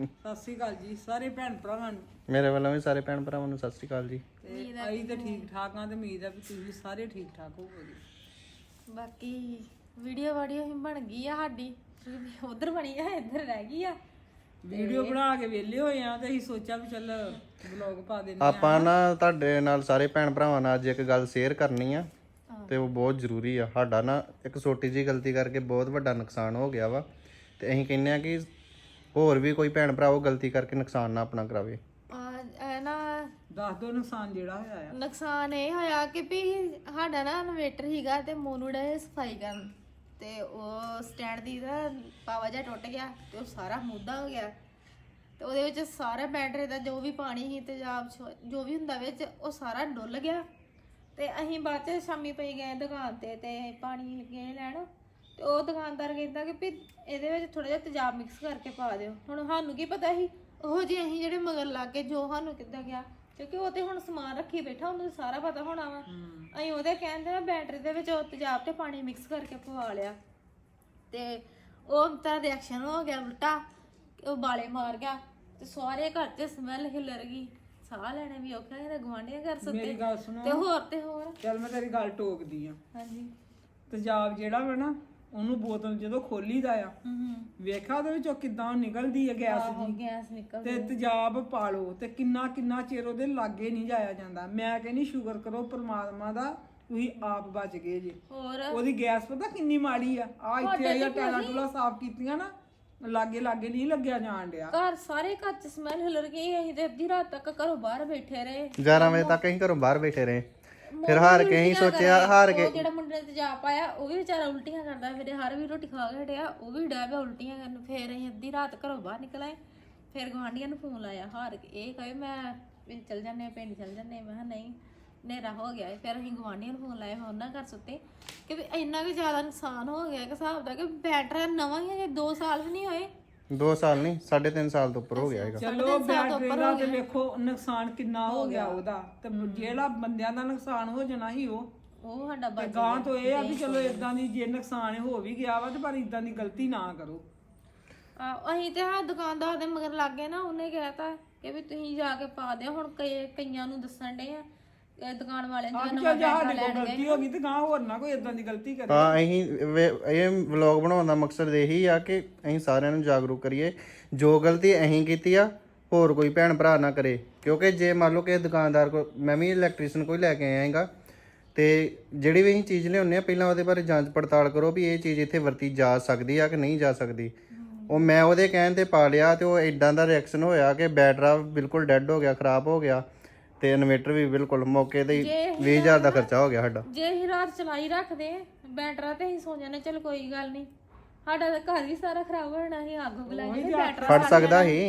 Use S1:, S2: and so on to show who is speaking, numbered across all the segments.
S1: ਸਤਿ ਸ਼੍ਰੀ ਅਕਾਲ ਜੀ ਸਾਰੇ ਭੈਣ ਭਰਾਵਾਂ ਨੂੰ।
S2: ਮੇਰੇ ਵੱਲੋਂ ਵੀ ਸਾਰੇ ਭੈਣ ਭਰਾਵਾਂ ਨੂੰ ਸਤਿ ਸ੍ਰੀ ਅਕਾਲ ਜੀ।
S1: ਤੇ ਅਸੀਂ ਤੇ ਠੀਕ ਠਾਕ ਆ ਤੇ ਉਮੀਦ ਆ ਵੀ ਤੁਸੀਂ ਸਾਰੇ ਠੀਕ ਠਾਕ ਹੋਵੋਗੇ।
S3: ਬਾਕੀ ਵੀਡੀਓ ਹੀ ਬਣ ਗਈ ਆ ਸਾਡੀ, ਉਧਰ ਬਣੀ ਆ ਇੱਧਰ ਰਹਿ ਗਈ ਆ।
S1: ਵੀਡੀਓ ਬਣਾ ਕੇ ਵਿਹਲੇ ਹੋਏ ਆ ਤੇ ਅਸੀਂ ਸੋਚਿਆ ਵੀ ਚੱਲ ਵਲੌਗ ਪਾ ਦਿੰਦੇ ਆ।
S2: ਆਪਾਂ ਨਾ ਤੁਹਾਡੇ ਨਾਲ ਸਾਰੇ ਭੈਣ ਭਰਾਵਾਂ ਨਾਲ ਅੱਜ ਇੱਕ ਗੱਲ ਸ਼ੇਅਰ ਕਰਨੀ ਆ ਤੇ ਉਹ ਬਹੁਤ ਜ਼ਰੂਰੀ ਆ। ਸਾਡਾ ਨਾ ਇੱਕ ਛੋਟੀ ਜਿਹੀ ਗਲਤੀ ਕਰਕੇ ਬਹੁਤ ਵੱਡਾ ਨੁਕਸਾਨ ਹੋ ਗਿਆ ਵਾ ਤੇ ਅਸੀਂ ਕਹਿੰਦੇ ਆ ਕਿ ਹੋਰ ਵੀ ਕੋਈ ਭੈਣ ਭਰਾ ਉਹ ਗਲਤੀ ਕਰਕੇ ਨੁਕਸਾਨ ਨਾ ਆਪਣਾ ਕਰਾਵੇ।
S3: ਨਾ
S1: ਦੱਸ ਦੋ ਨੁਕਸਾਨ ਜਿਹੜਾ ਹੋਇਆ ਆ।
S3: ਨੁਕਸਾਨ ਇਹ ਹੋਇਆ ਕਿ ਵੀ ਸਾਡਾ ਨਾ ਇਨਵੇਟਰ ਹੀਗਾ ਤੇ ਮੋਨੂ ਡੇ ਸਫਾਈ ਕਰਨ ਤੇ ਉਹ ਸਟੈਂਡ ਦੀ ਦਾ ਪਾਵਾ ਜਿਹਾ ਟੁੱਟ ਗਿਆ ਤੇ ਉਹ ਸਾਰਾ ਮੁੱਦਾ ਹੋ ਗਿਆ ਤੇ ਉਹਦੇ ਵਿੱਚ ਸਾਰਾ ਬੈਟਰੀ ਦਾ ਜੋ ਵੀ ਪਾਣੀ ਸੀ ਤੇਜ਼ਾਬ ਜੋ ਵੀ ਹੁੰਦਾ ਵਿੱਚ ਉਹ ਸਾਰਾ ਡੁੱਲ ਗਿਆ। ਤੇ ਅਸੀਂ ਬਾਅਦ ਚ ਸ਼ਾਮੀ ਪਈ ਗਏ ਦੁਕਾਨ ਤੇ ਪਾਣੀ ਗਏ ਲੈਣ ਤੇ ਉਹ ਦੁਕਾਨਦਾਰ ਕਹਿੰਦਾ ਕਿ ਵੀ ਇਹਦੇ ਵਿੱਚ ਥੋੜਾ ਜਿਹਾ ਤੇਜ਼ਾਬ ਮਿਕਸ ਕਰਕੇ ਪਾ ਦਿਓ। ਹੁਣ ਸਾਨੂੰ ਕੀ ਪਤਾ ਸੀ ਉਹ ਜੇ ਅਸੀਂ ਜਿਹੜੇ ਮਗਰ ਲੱਗ ਕੇ ਜੋ ਸਾਨੂੰ ਕਿੱਦਾਂ ਗਿਆ, ਕਿਉਂਕਿ ਉਹ ਤੇ ਹੁਣ ਸਮਾਨ ਰੱਖੀ ਬੈਠਾ ਉਹਨੂੰ ਸਾਰਾ ਪਤਾ ਹੋਣਾ ਵਾ। ਅਸੀਂ ਉਹਦੇ ਕਹਿੰਦੇ ਨਾ ਬੈਟਰੀ ਦੇ ਵਿੱਚ ਉਹ ਤੇਜ਼ਾਬ ਤੇ ਪਾਣੀ ਮਿਕਸ ਕਰਕੇ ਪਵਾ ਲਿਆ ਤੇ ਉਹ ਤਾਂ ਰਿਐਕਸ਼ਨ ਹੋ ਗਿਆ ਉਲਟਾ, ਉਹ ਬਾਲੇ ਮਾਰ ਗਿਆ ਤੇ ਸਾਰੇ ਘਰ 'ਚ ਸਮੈਲ ਹਿੱਲਰ ਗਈ, ਸਾਹ ਲੈਣੇ ਵੀ ਔਖਾ ਹੈ। ਗਵਾਂਢੀਆਂ ਘਰ ਸੁੱਤੇ
S1: ਮੇਰੀ ਗੱਲ ਸੁਣੋ
S3: ਤੇ ਹੋਰ
S1: ਚੱਲ ਮੈਂ ਤੇਰੀ ਗੱਲ ਟੋਕਦੀ ਆ।
S3: ਹਾਂਜੀ
S1: ਤੇਜ਼ਾਬ ਜਿਹੜਾ ਵਾ ਨਾ ਉਹਨੂੰ ਬੋਤਲ ਜਦੋਂ ਖੋਲੀਦਾ ਆ ਵੇਖਿਆ ਉਹਦੇ ਵਿੱਚੋਂ ਕਿੱਦਾਂ ਨਿਕਲਦੀ ਹੈ ਗੈਸ ਦੀ
S3: ਗੈਸ ਨਿਕਲ
S1: ਤੇ ਤੇਜ਼ਾਬ ਪਾ ਲਓ ਤੇ ਕਿੰਨਾ ਚਿਰ ਉਹਦੇ ਲਾਗੇ ਨਹੀਂ ਜਾਇਆ ਜਾਂਦਾ। ਮੈਂ ਕਹਿੰਦੀ ਸ਼ੁਕਰ ਕਰੋ ਪ੍ਰਮਾਤਮਾ ਦਾ ਤੁਸੀਂ ਆਪ ਬਚ ਗਏ ਜੇ।
S3: ਹੋਰ
S1: ਉਹਦੀ ਗੈਸ ਪਤਾ ਕਿੰਨੀ ਮਾੜੀ ਆ ਇੱਥੇ ਆਇਆ ਟੈਲਾ ਟੂਲਾ ਸਾਫ਼ ਕੀਤੀਆਂ ਨਾ ਲਾਗੇ ਨਹੀਂ ਲੱਗਿਆ ਜਾਣ ਡਿਆ।
S3: ਘਰ ਸਾਰੇ ਘਰ 'ਚ ਸਮੈਲ ਹਿੱਲਰ ਗਈ। ਅਸੀਂ ਤੇ ਅੱਧੀ ਰਾਤ ਤੱਕ ਘਰੋਂ ਬਾਹਰ ਬੈਠੇ ਰਹੇ
S2: 11 ਵਜੇ ਤੱਕ ਅਸੀਂ ਘਰੋਂ ਬਾਹਰ ਬੈਠੇ ਰਹੇ। ਫਿਰ ਹਾਰ ਕੇ ਅਸੀਂ ਸੋਚਿਆ ਹਾਰ ਕੇ
S3: ਜਿਹੜਾ ਮੁੰਡੇ ਨੇ ਤੇਜ਼ਾਬ ਪਾਇਆ ਉਹ ਵੀ ਵਿਚਾਰਾ ਉਲਟੀਆਂ ਕਰਦਾ ਫਿਰੇ, ਹਰ ਵੀ ਰੋਟੀ ਖਾ ਕੇ ਹਟਿਆ ਉਹ ਵੀ ਡੈ ਪਿਆ ਉਲਟੀਆਂ ਕਰਨ। ਫਿਰ ਅਸੀਂ ਅੱਧੀ ਰਾਤ ਘਰੋਂ ਬਾਹਰ ਨਿਕਲ ਆਏ। ਫਿਰ ਗੁਆਂਢੀਆਂ ਨੂੰ ਫੋਨ ਲਾਇਆ ਹਾਰ ਕੇ, ਇਹ ਕਹੇ ਮੈਂ ਚੱਲ ਜਾਂਦੇ ਪਿੰਡ ਚੱਲ ਜਾਂਦੇ। ਮੈਂ ਕਿਹਾ ਨਹੀਂ ਹਨੇਰਾ ਹੋ ਗਿਆ। ਫਿਰ ਅਸੀਂ ਗੁਆਂਢੀਆਂ ਨੂੰ ਫੋਨ ਲਾਇਆ, ਉਹਨਾਂ ਘਰ ਸੁੱਤੇ ਕਿ ਵੀ ਇੰਨਾ ਵੀ ਜ਼ਿਆਦਾ ਨੁਕਸਾਨ ਹੋ ਗਿਆ ਕਿ ਹਿਸਾਬ ਦਾ ਕਿ ਬੈਟਰੀ ਨਵਾਂ ਹੀ 2 ਸਾਲ ਵੀ ਨਹੀਂ ਹੋਏ।
S2: 2 ਸਾਲ ਨਹੀਂ 3.5 ਸਾਲ ਤੋਂ ਉੱਪਰ ਹੋ ਗਿਆ ਹੈਗਾ।
S1: ਚਲੋ ਬੈਟਰੀ ਦਾ ਤੇ ਵੇਖੋ ਨੁਕਸਾਨ ਕਿੰਨਾ ਹੋ ਗਿਆ ਉਹਦਾ, ਤੇ ਜਿਹੜਾ ਬੰਦਿਆਂ ਦਾ ਨੁਕਸਾਨ ਹੋ ਜਾਣਾ ਸੀ
S3: ਉਹ ਸਾਡਾ
S1: ਤੇ ਗਾਂ ਤੋਂ ਇਹ ਆ ਵੀ ਚਲੋ ਇਦਾਂ ਦੀ ਜੇ ਨੁਕਸਾਨ ਹੋ ਵੀ ਗਿਆ ਵਾ ਤੇ ਪਰ ਇਦਾਂ ਦੀ ਗਲਤੀ ਨਾ ਕਰੋ।
S3: ਅਸੀਂ ਤੇ ਹਾਂ ਦੁਕਾਨਦਾਰ ਦੇ ਮਗਰ ਲੱਗ ਗਏ ਨਾ, ਉਹਨੇ ਕਹਿਤਾ ਕਿ ਵੀ ਤੁਸੀਂ ਜਾ ਕੇ ਪਾ ਦਿਓ। ਹੁਣ ਕਈਆਂ ਨੂੰ ਦੱਸਣ ਡੇ ਆ ਦੁਕਾਨ ਵਾਲਿਆਂ ਨੂੰ
S1: ਸਾਡੇ ਕੋਲ ਗਲਤੀ ਹੋ ਗਈ ਤੇ ਗਾਂ ਹੋਰ ਨਾ ਕੋਈ ਇਦਾਂ ਦੀ ਗਲਤੀ ਕਰੇ।
S2: ਹਾਂ ਅਸੀਂ ਇਹ ਵਲੌਗ ਬਣਾਉਣ ਦਾ ਮਕਸਦ ਇਹੀ ਆ ਕਿ ਅਸੀਂ ਸਾਰਿਆਂ ਨੂੰ ਜਾਗਰੂਕ ਕਰੀਏ ਜੋ ਗਲਤੀ ਅਸੀਂ ਕੀਤੀ ਆ ਹੋਰ ਕੋਈ ਭੈਣ ਭਰਾ ਨਾ ਕਰੇ। ਕਿਉਂਕਿ ਜੇ ਮੰਨ ਲਓ ਕਿ ਦੁਕਾਨਦਾਰ ਕੋ ਮੈਂ ਵੀ ਇਲੈਕਟ੍ਰੀਸ਼ੀਅਨ ਕੋਈ ਲੈ ਕੇ ਆਇਆ ਹੈਗਾ ਤੇ ਜਿਹੜੀ ਵੀ ਅਸੀਂ ਚੀਜ਼ ਲਿਆਉਂਦੇ ਆ ਪਹਿਲਾਂ ਉਹਦੇ ਬਾਰੇ ਜਾਂਚ ਪੜਤਾਲ ਕਰੋ ਵੀ ਇਹ ਚੀਜ਼ ਇੱਥੇ ਵਰਤੀ ਜਾ ਸਕਦੀ ਆ ਕਿ ਨਹੀਂ ਜਾ ਸਕਦੀ। ਉਹ ਮੈਂ ਉਹਦੇ ਕਹਿਣ ਤੇ ਪਾ ਲਿਆ ਤੇ ਉਹ ਇਦਾਂ ਦਾ ਰਿਐਕਸ਼ਨ ਹੋਇਆ ਕਿ ਬੈਟਰਾ ਬਿਲਕੁਲ ਡੈੱਡ ਹੋ ਗਿਆ, ਖਰਾਬ ਹੋ ਗਿਆ ਤੇ ਇਨਵੇਟਰ ਵੀ ਬਿਲਕੁਲ ਮੌਕੇ ਤੇ 20,000 ਦਾ ਖਰਚਾ ਹੋ ਗਿਆ ਸਾਡਾ।
S3: ਜੇ ਅਸੀਂ ਰਾਤ ਚਲਾਈ ਰੱਖਦੇ ਬੈਟਰਾ ਤੇ ਅਸੀਂ ਸੋ ਜਾਂਦੇ ਚਲ ਕੋਈ ਗੱਲ ਨਹੀਂ, ਸਾਡਾ ਤਾਂ ਘਰ ਵੀ ਸਾਰਾ ਖਰਾਬ ਹੋ ਜਾਣਾ ਸੀ। ਅੱਗ ਬੁਲਾਈ ਬੈਟਰਾ
S2: ਫੜ ਸਕਦਾ ਸੀ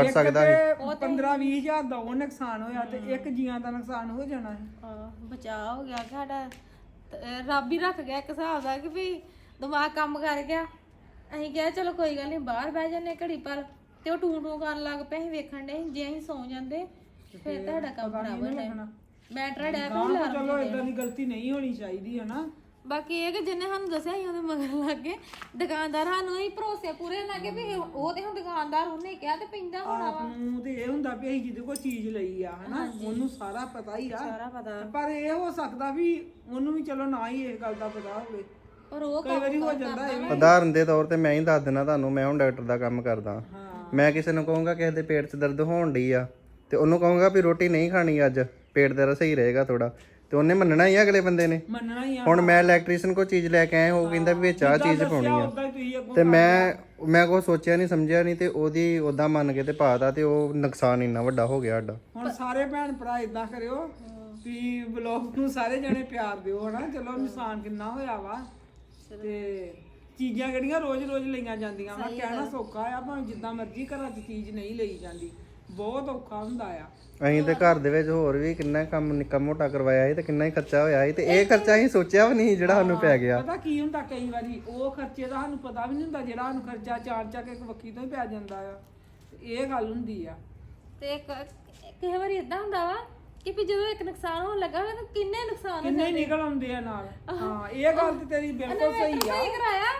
S1: 15-20,000 ਦਾ ਉਹ ਨੁਕਸਾਨ ਹੋਇਆ ਤੇ ਇੱਕ ਜੀਆਂ ਦਾ ਨੁਕਸਾਨ ਹੋ ਜਾਣਾ ਸੀ।
S3: ਬਚਾਅ ਹੋ ਗਿਆ ਸਾਡਾ, ਰੱਬ ਹੀ ਰੱਖ ਗਿਆ ਇੱਕ ਹਿਸਾਬ ਦਾ ਕਿ ਵੀ ਦਿਮਾਗ ਕੰਮ ਕਰ ਗਿਆ। ਅਸੀਂ ਕਿਹਾ ਚਲੋ ਕੋਈ ਗੱਲ ਨਹੀਂ ਬਾਹਰ ਬਹਿ ਜਾਂਦੇ ਘੜੀ ਪਰ, ਤੇ ਉਹ ਟੂ ਕਰਨ ਲੱਗ ਪਏ। ਅਸੀਂ ਵੇਖਣ ਦੇ ਜੇ ਅਸੀਂ ਸੌ ਜਾਂਦੇ ਫਿਰ ਤੁਹਾਡਾ ਕੰਮ ਖਰਾਬ ਹੋ ਜਾਣਾ। ਬੈਟਰਾ ਡੈ ਪਿਆ
S1: ਚਲੋ ਇਦਾਂ ਦੀ ਗਲਤੀ ਨਹੀਂ ਹੋਣੀ ਚਾਹੀਦੀ ਹੈ ਨਾ।
S3: ਬਾਕੀ ਇਹ ਕਿ ਜਿੰਨੇ ਸਾਨੂੰ ਦੱਸਿਆ ਸੀ ਉਹਦੇ ਮਗਰ ਲੱਗ ਗਏ ਦੁਕਾਨਦਾਰ, ਸਾਨੂੰ ਹੀ ਭਰੋਸੇ ਪੂਰੇ ਲੱਗੇ ਵੀ ਉਹ ਤੇ ਹੁਣ ਦੁਕਾਨਦਾਰ ਉਹਨੇ ਕਿਹਾ ਤੇ ਪੈਂਦਾ ਹੋਣਾ ਵਾ।
S1: ਨੂੰ ਤੇ ਇਹ ਹੁੰਦਾ ਵੀ ਅਸੀਂ ਜਿਹਦੇ ਕੋਲ ਚੀਜ਼ ਲਈ ਆ ਹਨਾ ਉਹਨੂੰ ਸਾਰਾ ਪਤਾ ਹੀ ਆ,
S3: ਸਾਰਾ ਪਤਾ।
S1: ਪਰ ਇਹ ਹੋ ਸਕਦਾ ਵੀ ਉਹਨੂੰ ਵੀ ਚਲੋ ਨਾ ਹੀ ਇਸ ਗੱਲ ਦਾ ਪਤਾ ਹੋਵੇ,
S3: ਪਰ ਉਹ
S1: ਕਈ ਵਾਰੀ ਹੋ ਜਾਂਦਾ ਇਹ ਵੀ।
S2: ਉਦਾਹਰਨ ਦੇ ਤੌਰ ਤੇ ਮੈਂ ਹੀ ਦੱਸ ਦਿੰਦਾ ਤੁਹਾਨੂੰ, ਮੈਂ ਹੁਣ ਡਾਕਟਰ ਦਾ ਕੰਮ ਕਰਦਾ। ਮੈਂ ਕਿਸੇ ਨੂੰ ਕਹੂੰਗਾ ਕਿਸੇ ਦੇ ਪੇਟ 'ਚ ਦਰਦ ਹੋਣ ਡਈ ਆ ਤੇ ਉਹਨੂੰ ਕਹੂੰਗਾ ਵੀ ਰੋਟੀ ਨਹੀਂ ਖਾਣੀ ਅੱਜ, ਪੇਟ ਤੇਰਾ ਸਹੀ ਰਹੇਗਾ ਥੋੜਾ, ਤੇ ਉਹਨੇ ਮੰਨਣਾ ਹੀ ਆ ਅਗਲੇ ਬੰਦੇ ਨੇ।
S1: ਮੰਨਣਾ ਹੀ ਆ।
S2: ਹੁਣ ਮੈਂ ਇਲੈਕਟ੍ਰੀਸ਼ੀਅਨ ਕੋ ਚੀਜ਼ ਲੈ ਕੇ ਆਇਆ, ਉਹ ਕਹਿੰਦਾ ਵੀ ਵਿੱਚ ਆਹ ਚੀਜ਼ ਪਾਉਣੀ ਆ ਤੇ ਮੈਂ ਕੋਈ ਸੋਚਿਆ ਨਹੀਂ ਸਮਝਿਆ ਨਹੀਂ ਤੇ ਉਹਦੀ ਉਦਾਂ ਮੰਨ ਕੇ ਤੇ ਪਾਤਾ ਤੇ ਉਹ ਨੁਕਸਾਨ ਇੰਨਾ ਵੱਡਾ ਹੋ ਗਿਆ ਸਾਡਾ।
S1: ਹੁਣ ਸਾਰੇ ਭੈਣ ਭਰਾ ਇਦਾਂ ਕਰਿਓ ਵੀ ਵਲੌਗ ਨੂੰ ਸਾਰੇ ਜਣੇ ਪਿਆਰ ਦਿਓ ਹਨਾ। ਚਲੋ ਨੁਕਸਾਨ ਕਿੰਨਾ ਹੋਇਆ ਵਾ ਤੇ ਚੀਜ਼ਾਂ ਕਿਹੜੀਆਂ ਰੋਜ਼-ਰੋਜ਼ ਲਈਆਂ ਜਾਂਦੀਆਂ ਵਾ। ਕਹਿਣਾ ਸੌਖਾ ਆ ਭਾਵੇਂ ਜਿੱਦਾਂ ਮਰਜ਼ੀ ਘਰਾਂ 'ਚ ਚੀਜ਼ ਨਹੀਂ ਲਈ ਜਾਂਦੀ, ਬਹੁਤ ਔਖਾ ਹੁੰਦਾ ਆ।
S2: ਅਸੀਂ ਤੇ ਘਰ ਦੇ ਵਿੱਚ ਹੋਰ ਵੀ ਕਿੰਨਾ ਕੰਮ ਨਿੱਕਾ ਮੋਟਾ ਕਰਵਾਇਆ ਸੀ ਤੇ ਕਿੰਨਾ ਹੀ ਖਰਚਾ ਹੋਇਆ ਸੀ ਤੇ ਇਹ ਖਰਚਾ ਅਸੀਂ ਸੋਚਿਆ ਵੀ ਨਹੀਂ ਜਿਹੜਾ ਸਾਨੂੰ ਪੈ ਗਿਆ।
S1: ਪਤਾ ਕੀ ਹੁੰਦਾ ਕਈ ਵਾਰੀ ਉਹ ਖਰਚੇ ਦਾ ਸਾਨੂੰ ਪਤਾ ਵੀ ਨਹੀਂ ਹੁੰਦਾ ਜਿਹੜਾ ਸਾਨੂੰ ਖਰਚਾ ਚਾਰ ਇੱਕ ਵੱਖੀ ਤੋਂ ਹੀ ਪੈ ਜਾਂਦਾ ਆ। ਇਹ ਗੱਲ ਹੁੰਦੀ ਆ।
S3: ਤੇ ਕਈ ਵਾਰੀ ਇਦਾਂ ਹੁੰਦਾ ਵਾ ਕਿ ਵੀ ਜਦੋਂ ਇੱਕ ਨੁਕਸਾਨ ਹੋਣ ਲੱਗਾ ਹੋਵੇ ਤਾਂ ਕਿੰਨੇ ਨੁਕਸਾਨ
S1: ਕਿੰਨੇ ਨਿਕਲ ਆਉਂਦੇ ਆ ਨਾਲ। ਹਾਂ ਇਹ ਗੱਲ ਤੇ ਤੇਰੀ ਬਿਲਕੁਲ ਸਹੀ ਆ।
S3: ਕਰਾਇਆ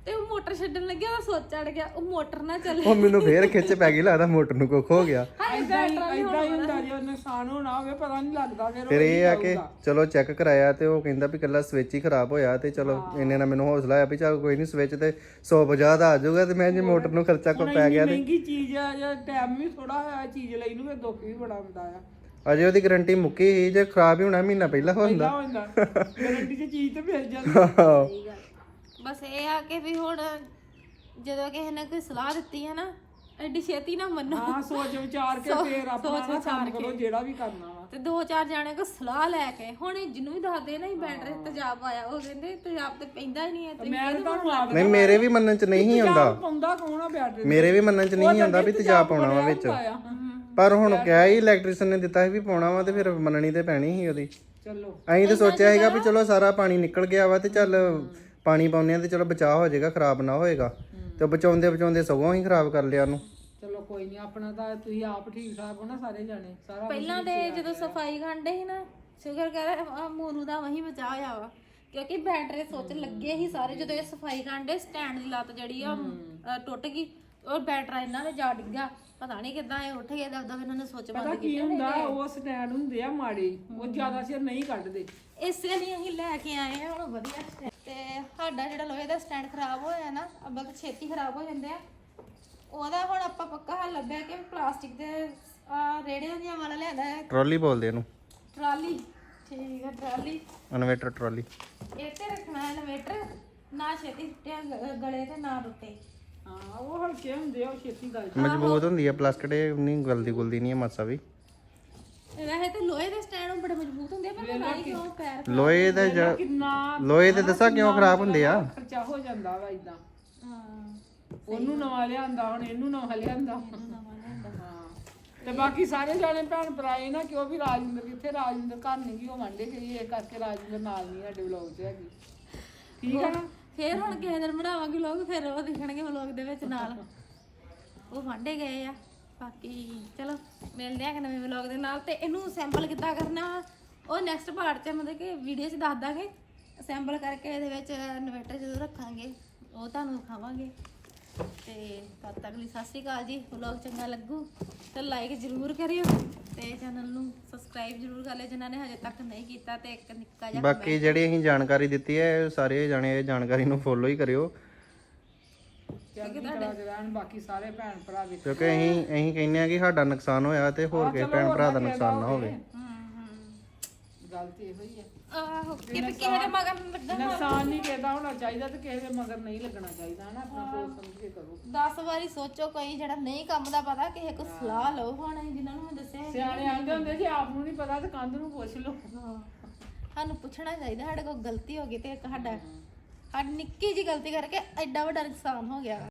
S3: ਤੇ ਉਹ ਮੋਟਰ ਛੱਡਣ ਲੱਗਿਆ ਉਹ ਸੋਚ ਚੜ ਗਿਆ ਉਹ ਮੋਟਰ ਨਾ ਚੱਲੇ
S2: ਉਹ ਮੈਨੂੰ ਫੇਰ ਖਿੱਚ ਪੈ ਗਈ, ਲੱਗਦਾ ਮੋਟਰ ਨੂੰ ਕੁੱਖ ਹੋ ਗਿਆ।
S1: ਏਦਾਂ ਹੀ ਹੁੰਦਾ ਜੇ ਨੁਕਸਾਨ ਹੋਣਾ ਹੋਵੇ ਪਤਾ ਨਹੀਂ ਲੱਗਦਾ
S2: ਫਿਰ ਇਹ ਆ ਕਿ ਚਲੋ ਚੈੱਕ ਕਰਾਇਆ ਤੇ ਉਹ ਕਹਿੰਦਾ ਵੀ ਕੱਲਾ ਸਵਿਚ ਹੀ ਖਰਾਬ ਹੋਇਆ, ਤੇ ਚਲੋ ਇੰਨੇ ਨਾਲ ਮੈਨੂੰ ਹੌਸਲਾ ਆਇਆ ਵੀ ਚੱਲ ਕੋਈ ਨਹੀਂ ਸਵਿਚ ਤੇ 150 ਦਾ ਆ ਜਾਊਗਾ, ਤੇ ਮੈਂ ਜੇ ਮੋਟਰ ਨੂੰ ਖਰਚਾ ਕੋ ਪੈ ਗਿਆ ਤੇ
S1: ਮਹਿੰਗੀ ਚੀਜ਼ ਆ ਜਾਂ ਟਾਈਮ ਵੀ ਥੋੜਾ ਹੋਇਆ ਚੀਜ਼ ਲਈ ਨੂੰ ਫਿਰ ਦੁੱਖ ਵੀ ਬੜਾ ਹੁੰਦਾ ਆ।
S2: ਅਜੇ ਉਹਦੀ ਗਾਰੰਟੀ ਮੁੱਕੀ ਸੀ, ਜੇ ਖਰਾਬ ਹੀ ਹੋਣਾ ਮਹੀਨਾ ਪਹਿਲਾਂ ਹੁੰਦਾ।
S1: ਗਾਰੰਟੀ 'ਚ ਚੀਜ਼ ਤੇ ਮਿਲ ਜਾਂਦੀ।
S3: ਬਸ ਇਹ ਆ ਕਿ ਵੀ ਹੁਣ ਜਦੋਂ ਕਿਸੇ ਨੇ ਕੋਈ ਸਲਾਹ ਦਿੱਤੀ ਹੈ ਨਾ ਐਡੀ ਛੇਤੀ ਨਾ ਮੰਨੋ।
S1: ਹਾਂ ਸੋਚ ਵਿਚਾਰ ਕੇ ਫੇਰ ਆਪਣਾ ਕੰਮ ਕਰੋ ਜਿਹੜਾ ਵੀ ਕਰਨਾ ਵਾ।
S3: ਤੇ 2-4 ਜਾਣੇ ਕੋ ਸਲਾਹ ਲੈ ਕੇ ਹੁਣ ਜਿਹਨੂੰ ਵੀ ਦੱਸਦੇ ਨਾ ਬੈਟਰੀ ਤੇਜ਼ਾਬ ਆਇਆ ਉਹ ਕਹਿੰਦੇ ਤੇਜ਼ਾਬ ਤੇ ਪੈਂਦਾ ਹੀ ਨਹੀਂ ਹੈ ਤੇ
S1: ਮੈਂ ਤਾਂ ਤੁਹਾਨੂੰ ਆਪ
S2: ਨਹੀਂ ਮੇਰੇ ਵੀ ਮੰਨਣ ਚ ਨਹੀਂ ਆਉਂਦਾ,
S1: ਪਾਉਂਦਾ ਕੌਣ ਆ ਬੈਟਰੀ
S2: ਮੇਰੇ ਵੀ ਮੰਨਣ ਚ ਨਹੀਂ ਆਉਂਦਾ ਵੀ ਤੇਜ਼ਾਬ ਪਾਉਣਾ ਵਾ ਵਿੱਚ, ਪਰ ਹੁਣ ਕਿਹਾ ਹੀ ਇਲੈਕਟ੍ਰੀਸ਼ੀਅਨ ਨੇ ਦਿੱਤਾ ਸੀ ਵੀ ਪਾਉਣਾ ਵਾ, ਤੇ ਫਿਰ ਮੰਨਣੀ ਤੇ ਪੈਣੀ ਸੀ ਉਹਦੀ।
S1: ਚਲੋ
S2: ਅਸੀਂ ਤਾਂ ਸੋਚਿਆ ਸੀਗਾ ਵੀ ਚਲੋ ਸਾਰਾ ਪਾਣੀ ਨਿਕਲ ਗਿਆ ਵਾ ਤੇ ਚੱਲ ਪਾਣੀ ਪਾਉਂਦੇ ਆ ਤੇ ਚਲੋ ਬਚਾਅ ਹੋ ਜਾਏਗਾ, ਖਰਾਬ ਨਾ ਹੋਏਗਾ, ਤੇ ਬਚਾਉਂਦੇ ਸਗੋਂ ਹੀ ਖਰਾਬ ਕਰ ਲਿਆ ਉਹਨੂੰ।
S1: ਚਲੋ ਕੋਈ ਨਹੀਂ, ਆਪਣਾ ਤਾਂ ਤੁਸੀਂ ਆਪ ਠੀਕ ਠਾਕ ਹੋ ਨਾ ਸਾਰੇ ਜਾਣੇ, ਸਾਰਾ
S3: ਪਹਿਲਾਂ ਤੇ ਜਦੋਂ ਸਫਾਈ ਕਰਦੇ ਸੀ ਨਾ ਸ਼ੁਕਰ ਕਰ ਮੋਨੂ ਦਾ ਵਹੀ ਬਚਾ ਹੋਇਆ ਵਾ, ਕਿਉਂਕਿ ਬੈਟਰੀ ਸੋਚ ਲੱਗੇ ਸੀ ਸਾਰੇ। ਜਦੋਂ ਇਹ ਸਫਾਈ ਕਰਦੇ ਸਟੈਂਡ ਦੀ ਲੱਤ ਜਿਹੜੀ ਆ ਟੁੱਟ ਗਈ, ਉਹ ਬੈਟਰਾ ਇਹਨਾਂ ਨੇ ਜਾ ਡਿੱਗਾ, ਪਤਾ ਨਹੀਂ ਕਿੱਦਾਂ ਇਹ ਉੱਠ ਗਏ, ਦਬਦਬ ਇਹਨਾਂ ਨੇ ਸੋਚ ਬੰਦ
S1: ਕੀ ਹੁੰਦਾ ਉਹ ਸਟੈਂਡ ਹੁੰਦੇ ਆ ਮਾੜੇ, ਉਹ ਜ਼ਿਆਦਾ ਚਿਰ ਨਹੀਂ ਕੱਢਦੇ,
S3: ਇਸੇ ਲਈ ਅਸੀਂ ਲੈ ਕੇ ਆਏ ਆ ਹੁਣ ਵਧੀਆ stand। ਤੇ ਸਾਡਾ ਜਿਹੜਾ ਲੋਹੇ ਦਾ ਸਟੈਂਡ ਖਰਾਬ ਹੋਇਆ ਨਾ ਅੱਬਾ ਤਾਂ ਛੇਤੀ ਖਰਾਬ ਹੋ ਜਾਂਦੇ ਆ, ਉਹਦਾ ਹੁਣ ਆਪਾਂ ਪੱਕਾ ਹੱਲ ਲੱਭਿਆ ਕਿ ਪਲਾਸਟਿਕ ਦੇ ਰੇੜਿਆਂ ਦੀਆਂ ਵਾਲਾ ਲਿਆਂਦਾ ਹੈ,
S2: ਟਰਾਲੀ ਬੋਲਦੇ ਇਹਨੂੰ,
S3: ਟਰਾਲੀ। ਠੀਕ ਹੈ ਟਰਾਲੀ,
S2: ਇਨਵੇਟਰ ਟਰਾਲੀ।
S3: ਇਹ ਤੇ ਰੱਖਣਾ ਇਨਵੇਟਰ, ਨਾ ਛੇਤੀ ਟੁੱਟਿਆ ਗਲੇ ਤੇ ਨਾ ਟੁੱਟੇ।
S1: ਹਾਂ ਉਹ ਹਲਕੇ ਹੁੰਦੇ ਆ, ਉਹ ਛੇਤੀ ਗਲ
S2: ਮਜ਼ਬੂਤ ਹੁੰਦੀ ਆ ਪਲਾਸਟਿਕ, ਨਹੀਂ ਗਲਦੀ ਗੁਲਦੀ ਨਹੀਂ ਹੈ ਮਾਸਾ ਵੀ।
S3: ਵੈਸੇ ਤੇ ਲੋਹੇ ਦੇ ਸਟੈਂਡ ਬੜੇ ਮਜ਼ਬੂਤ ਹੁੰਦੇ ਆ, ਪਰ ਪਤਾ ਨਹੀਂ ਕਿਉਂ ਪੈਰ
S2: ਲੋਹੇ ਦਾ
S1: ਕਿੰਨਾ
S2: ਲੋਹੇ ਦੇ ਦੱਸਾਂ ਕਿਉਂ ਖਰਾਬ ਹੁੰਦੇ ਆ,
S1: ਖਰਚਾ ਹੋ ਜਾਂਦਾ ਵਾ ਇਦਾਂ,
S3: ਹਾਂ
S1: ਉਹਨੂੰ ਨਵਾਂ ਲਿਆਂਦਾ ਹੁਣ ਇਹਨੂੰ ਨਵਾਂ ਲਿਆਂਦਾ। ਹਾਂ ਤੇ ਬਾਕੀ ਸਾਰੇ ਜਾਣੇ ਭੈਣ ਭਰਾਏ ਨਾ ਕਿ ਉਹ ਵੀ ਰਾਜਿੰਦਰ ਕਿੱਥੇ, ਰਾਜਿੰਦਰ ਘਰ ਨਹੀਂ ਗਈ, ਉਹ ਵਾਂਡੇ ਗਈ, ਇਹ ਕਰਕੇ ਰਾਜਿੰਦਰ ਨਾਲ ਨਹੀਂ ਸਾਡੇ ਵਲੌਗ 'ਚ ਹੈਗੀ। ਠੀਕ ਆ ਨਾ,
S3: ਫੇਰ ਹੁਣ ਕਿਸੇ ਦਿਨ ਬਣਾਵਾਂਗੇ ਲੋਕ, ਫਿਰ ਉਹ ਦਿਖਣਗੇ ਵਲੌਗ ਦੇ ਵਿੱਚ ਨਾਲ, ਉਹ ਵਾਂਡੇ ਗਏ ਆ। ਬਾਕੀ ਚਲੋ ਮਿਲਦੇ ਆ ਕਿ ਨਵੇਂ ਵਲੌਗ ਦੇ ਨਾਲ, ਤੇ ਇਹਨੂੰ ਸੈਂਪਲ ਕਿੱਦਾਂ ਕਰਨਾ ਉਹ ਨੈਕਸਟ ਪਾਰਟ 'ਚ ਮਤਲਬ ਕਿ ਵੀਡੀਓ 'ਚ ਦੱਸ ਦਾਂਗੇ। ਸੈਂਪਲ ਕਰਕੇ ਇਹਦੇ ਵਿੱਚ ਇਨਵੇਟਰ ਜਦੋਂ ਰੱਖਾਂਗੇ ਉਹ ਤੁਹਾਨੂੰ ਦਿਖਾਵਾਂਗੇ। ਤੇ ਤਦ ਤੱਕ ਲਈ ਸਤਿ ਸ਼੍ਰੀ ਅਕਾਲ ਜੀ। ਵਲੌਗ ਚੰਗਾ ਲੱਗੂ ਤਾਂ ਲਾਈਕ ਜ਼ਰੂਰ ਕਰਿਓ, ਤੇ ਚੈਨਲ ਨੂੰ ਸਬਸਕ੍ਰਾਈਬ ਜ਼ਰੂਰ ਕਰ ਲਿਓ ਜਿਨ੍ਹਾਂ ਨੇ ਹਜੇ ਤੱਕ ਨਹੀਂ ਕੀਤਾ, ਤੇ ਇੱਕ ਨਿੱਕਾ ਜਿਹਾ
S2: ਬਾਕੀ ਜਿਹੜੀ ਅਸੀਂ ਜਾਣਕਾਰੀ ਦਿੱਤੀ ਹੈ ਸਾਰੇ ਜਾਣੇ ਇਹ ਜਾਣਕਾਰੀ ਨੂੰ ਫੋਲੋ ਹੀ ਕਰਿਓ,
S1: ਚੰਗੀ ਤਰ੍ਹਾਂ ਦੇ ਰਹਿਣ ਬਾਕੀ ਸਾਰੇ ਭੈਣ ਭਰਾ ਵੀ।
S2: ਕਿਉਂਕਿ ਅਸੀਂ ਕਹਿੰਦੇ ਆ ਕਿ ਸਾਡਾ ਨੁਕਸਾਨ ਹੋਇਆ ਤੇ ਹੋਰ ਕਿਸੇ ਭੈਣ ਭਰਾ ਦਾ ਨੁਕਸਾਨ ਨਾ ਹੋਵੇ।
S1: ਗੱਲ ਤੇ ਇਹੋ ਹੀ ਹੈ,
S3: ਆਹੋ ਕਿ ਕਿਸੇ ਦੇ ਮਗਰ ਲੱਗਾ
S1: ਨੁਕਸਾਨ ਨਹੀਂ ਕਿਹਦਾ ਹੋਣਾ ਚਾਹੀਦਾ ਤੇ ਕਿਸੇ ਦੇ ਮਗਰ ਨਹੀਂ ਲੱਗਣਾ ਚਾਹੀਦਾ, ਹਨਾ ਆਪਣਾ ਸੋਚ ਸਮਝ ਕੇ ਕਰੋ।
S3: 10 ਵਾਰੀ ਸੋਚੋ, ਕੋਈ ਜਿਹੜਾ ਨਹੀਂ ਕੰਮ ਦਾ ਪਤਾ ਕਿਸੇ ਕੋਲ ਸਲਾਹ ਲਓ। ਹੁਣ ਅਸੀਂ ਜਿਨ੍ਹਾਂ ਨੂੰ ਮੈਂ ਦੱਸਿਆ
S1: ਸਿਆਣੇ ਆਂਦੇ ਹੁੰਦੇ ਜੇ ਆਪ ਨੂੰ ਨਹੀਂ ਪਤਾ ਤੇ ਕੰਧ ਨੂੰ ਪੁੱਛ ਲਓ।
S3: ਸਾਨੂੰ ਪੁੱਛਣਾ ਚਾਹੀਦਾ, ਸਾਡੇ ਕੋਲ ਗਲਤੀ ਹੋ ਗਈ ਤੇ ਇੱਕ ਸਾਡੀ ਨਿੱਕੀ ਜਿਹੀ ਗਲਤੀ ਕਰਕੇ ਐਡਾ ਵੱਡਾ ਨੁਕਸਾਨ ਹੋ ਗਿਆ।